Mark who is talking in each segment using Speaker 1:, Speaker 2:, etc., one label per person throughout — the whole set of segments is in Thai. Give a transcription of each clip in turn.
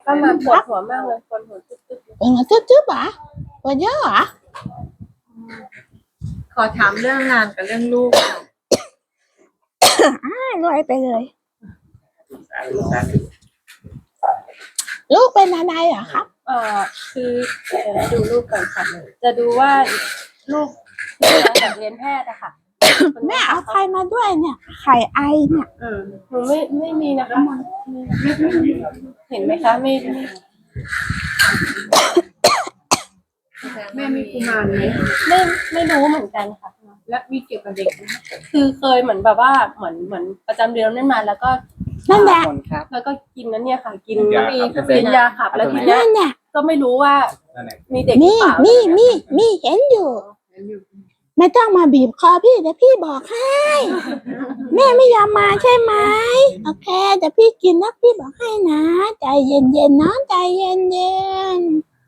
Speaker 1: ก็มาปวดหัวมากเลยปวดหัวตึ๊บ
Speaker 2: ปวดหัวจึ๊บๆเหรอปวดเยอะเหรอ
Speaker 3: ขอถามเรื่องงานกับเรื่องลูก
Speaker 2: รวยไปเลยลูกเป็นอะไรเหรอครับ
Speaker 1: คือดูลูกก่อนค่ะจะดูว่าลูกอยากเรียนแพทย์อะค่ะ
Speaker 2: แม่เอาใครมาด้วยเนี่ยไข่ไอเนี่ย
Speaker 1: หนูไม่มีนะคะเห็นไหมคะไม่
Speaker 3: แม่มีกุมารไหม
Speaker 1: ไม่รู้เหมือนกันค่ะ
Speaker 3: และมีเกี่ยวกับเด็กไหม
Speaker 1: คือเคยเหมือนแบบว่าเหมือนประจำเดือนนั่นมาแล้วก็
Speaker 2: นั่นแหละ
Speaker 1: แล้วก็กินนั้นเนี่ยค่ะกินยาขับแล้วทีนี้ก็ไม่รู้ว่ามีเด็ก
Speaker 2: มีเห็นอยู่ไม่ต้องมาบีบคอพี่แต่พี่บอกให้แม่ไม่ยอมมาใช่ไหมโอเคแต่พี่กินแล้วพี่บอกให้นะใจเย็นๆน้องใจเย็น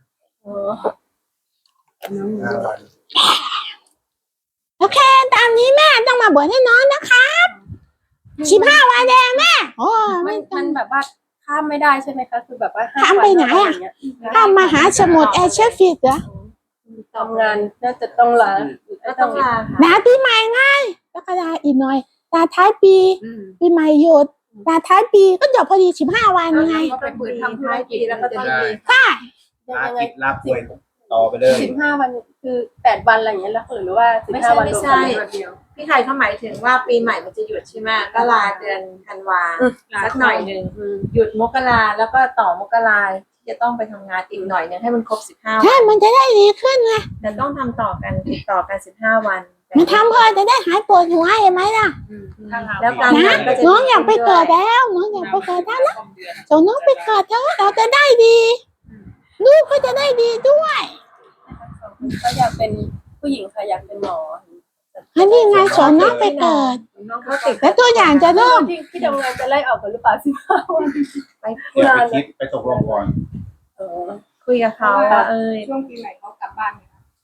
Speaker 2: โอเคตามนี้แม่ต้องมาบวชให้น้องนะครับ15 วันแดงแม่โอ้
Speaker 1: มันแบบว่าข้ามไม่ได้ใช่ไหมคะคือแบบว่า
Speaker 2: ข้ามไปไหนอ่ะข้ามมหาสมุทรแอเชียฟิกเหรอ
Speaker 1: ทำงานน่าจะต้องลา
Speaker 3: ก็ต้องลา
Speaker 2: ค่ะปีใหม่ไงแล้วก็ลาอีกหน่อยลาท้ายปีปีใหม่หยุดลาท้ายปีก็จบพอดี15 วันไง
Speaker 3: ก็ไปฝืนทำธุรกิจแล้วก็ต้องมี
Speaker 2: ค่ะ
Speaker 4: ลากิจลาป่วยต่อไปเลย
Speaker 1: 15 วันคือ8 วันอะไรอย่างเงี้ยแล้วหรือว่า15 วัน
Speaker 3: ไม่ใช่พี่ไข่เขาหมายถึงว่าปีใหม่มันจะหยุดใช่ไหมก็ลาเดือนธันวาสักหน่อยนึงหยุดมกราแล้วก็ต่อมกราจะต้องไปทำงานอีกหน่อยนึงให้มันครบ15 วัน
Speaker 2: ใช่มันจะได้ดีขึ้นไง
Speaker 3: แต่ต้องทำต่อกันติดต่อกัน15 วัน
Speaker 2: มันทำเพื่อจะได้หายปวดหัวเห็นไหมล่ะ
Speaker 3: แล้วการงานก็จะ
Speaker 2: น้องอยากไปเกิดแล้วน้องอยากไปเกิดแล้วนะส่งน้องไปเกิดเถอะเราจะได้ดีลูกก็จะได้ดีด้วย
Speaker 1: ก็อยากเป็นผู้หญิงค่ะอยากเป็นหมอ
Speaker 2: อันนี้ไงสอนน้องไปเกิดแล้วตัวอย่างจะเริ่ม
Speaker 1: ที่ทำงานจะไล่ออกกันหรือเปล่า15 วัน
Speaker 4: ไปคุยไปตกลงก่อน
Speaker 3: คุยกับเขา
Speaker 5: ช่วงปีใหม่เขากลับบ้าน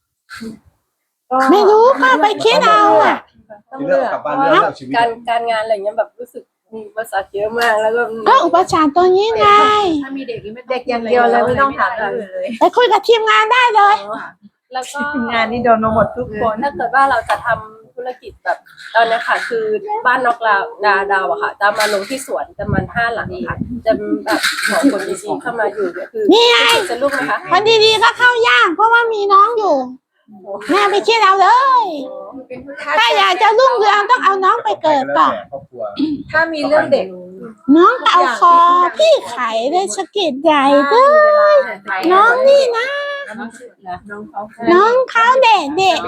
Speaker 2: ไม่รู้ก็ไปคิดเอาอ่ะ
Speaker 4: ต้องเลือกกลับบ้านเลือกชีวิต
Speaker 1: การงานอะไรเงี้ยแบบรู้สึกมีอุปสรรคเยอะมากแล้ว
Speaker 2: ก็อุปสรรคตัวนี้ไง
Speaker 3: ถ้ามีเด็กไม่เด็กอย่างเดียวเลยไม่ต้องถามเลย
Speaker 2: ไปคุยกับทีมงานได้เลย
Speaker 1: แล้วก็
Speaker 3: งานนี่โดนมาหมดทุกคน
Speaker 1: ถ้าเกิดว่าเราจะทำธุรกิจแบบตอนนี้ค่ะคือบ้านนอกดาวอะค่ะจะมาลงที่สวนจะมัน5 หลังค่ะจะแบบของคนดีๆเข้ามาอยู่เนี่ยคือ
Speaker 2: นี่ไง
Speaker 1: จะลูกนะคะ
Speaker 2: คนดีๆก็เข้ายากเพราะว่ามีน้องอยู่แม่ไปคิดเอาเลยถ้าอยากจะรุ่งเรืองต้องเอาน้องไปเกิดก่อน
Speaker 3: ถ้ามีเรื่องเด็ก
Speaker 2: น้องเอาคอพี่ไข่เลยสะกิดใหญ่เลยน้องนี่นะน้องเขาเด็ก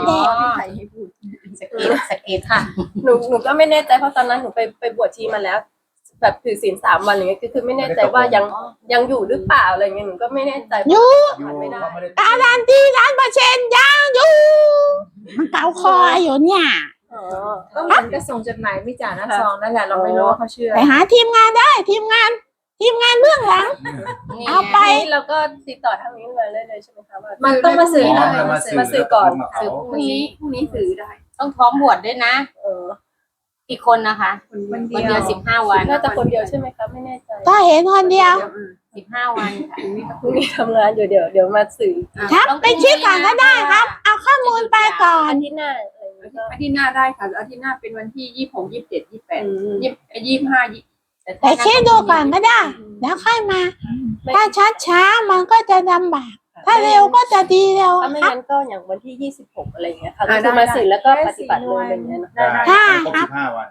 Speaker 3: สเกตค่ะ
Speaker 1: หนูก็ไม่แน่ใจเพราะตอนนั้นหนูไปบวชชีมาแล้วแบบถือศีล3 วันอย่างเงี้ยคือไม่แน่ใจว่ายังอยู่หรือเปล่าอะไรเงี้ยหนูก็ไม่แน่ใจ
Speaker 2: อยู่การันตี100%ยังอยู่มันเกาคออยู่เนี่ย
Speaker 3: ก็เหมือนกระส่งจดหมายไม่จ่าหน้าซองนั่นแหละเราไม่รู้ว่าเขาเชื่อ
Speaker 2: ไปหาทีมงานได้ทีมงานเบื้องหลังเอาไป
Speaker 1: แล้วก็ติดต่อทางนี้เลยใช่ไหมคะว่า
Speaker 3: มันต้องมาสื่อ
Speaker 1: มาสื่อก่อนสื่อพรุ่งนี้สื่อได้
Speaker 6: ต้องพร้อมบวชด้วยนะกี่คนนะคะคนเดียว15 วัน
Speaker 1: น่าจะคนเดียวใช่ไหมคะไม่แน่ใจ
Speaker 2: ก็เห็นคนเดียว
Speaker 6: 15 วัน
Speaker 1: พรุ่งนี้ทำงานอยู่เดี๋ยวมาสื่อ
Speaker 2: ครับไปคิดก่อนก็ได้ครับเอาข้อมูลไปก่อน
Speaker 1: อาทิตย์หน้า
Speaker 5: ได้ค่ะอาทิตย์หน้าเป็นวันที่26 27 28 25
Speaker 2: แต่คิดดูก่อนก็ได้แล้วค่อยมาถ้าช้ามันก็จะลำบากถ้าเร็วก็จะดีเร็ว
Speaker 1: ถ้าไม่งั้นก็อย่างวันที่26อะไรเงี้ยค่ะคือมาสื่อแล้วก็ปฏิบัติเลยอย่างเงี้ย
Speaker 2: ค่ะครับ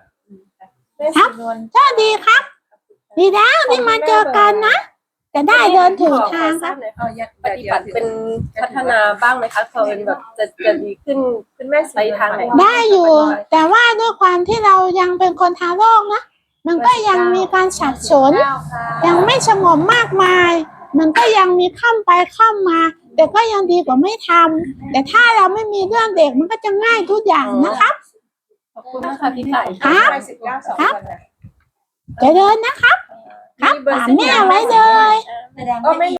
Speaker 2: ก็ดีครับดีแล้วที่มาเจอกันนะจะได้เดินถึงทางครับ
Speaker 1: ปฏิบัติเป็นพัฒนาบ้างไหมคะเขาแบบจะดีขึ้นแม่ไปทางไหน
Speaker 2: ได้อยู่แต่ว่าด้วยความที่เรายังเป็นคนทางโลกนะมันก็ยังมีการสับสนยังไม่สงบมากมายมันก็ยังมีข้ามไปข้ามมาแต่ก็ยังดีกว่าไม่ทำแต่ถ้าเราไม่มีเรื่องเด็กมันก็จะง่ายทุกอย่างนะครับ
Speaker 1: ขอบคุณมากค่ะพี่ไก่
Speaker 2: ครับจะเดินนะครับครับตามแม่ไว้เลย